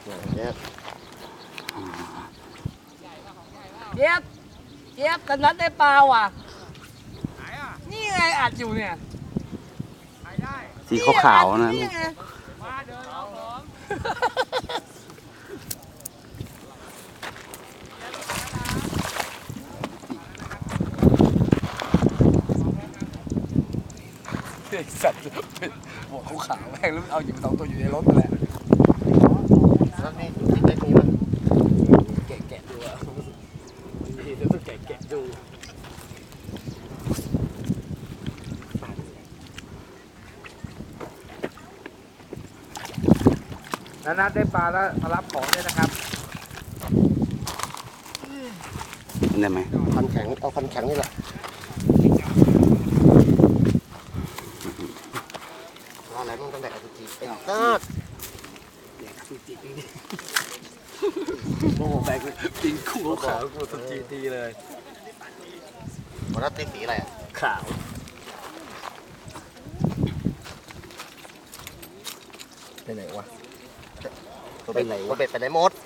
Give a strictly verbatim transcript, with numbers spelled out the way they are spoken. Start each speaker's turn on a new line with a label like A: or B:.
A: เจี๊ยบ
B: เจี๊ยบเจี๊ยบตอนนั้นได้ปลาว่ะนี่ไงอัดอยู่เนี่ย
C: สีขาวๆนะ
B: นี่ไงสัตว์หัวเขาขาวแม่งแล้วเอาอยู่สองตัวอยู่ในรถแหละ
A: แล้วนี่ติ๊กเล็กนี้ป่ะ
B: แกะแกะดูอ่ะนี่เดี๋ยวต้องแกะแกะดูนัดได้ปลาแล้วมารับของด้วยนะครับ
C: ได้ไหม
A: คันแข็งเอาคันแข็งนี่แหละอะไรมึงต้องแดกอสุจิไอ้ตัด
B: สุจิจริงดิโอ้โหแบกจริงคู่ขาวกูสุจิดีเลย
A: วันนั้นตีสีอะไรอ่ะ
B: ขาวไปไหนวะ
A: ตัวเบ็ดตัวเบ็ดไปไหนหมด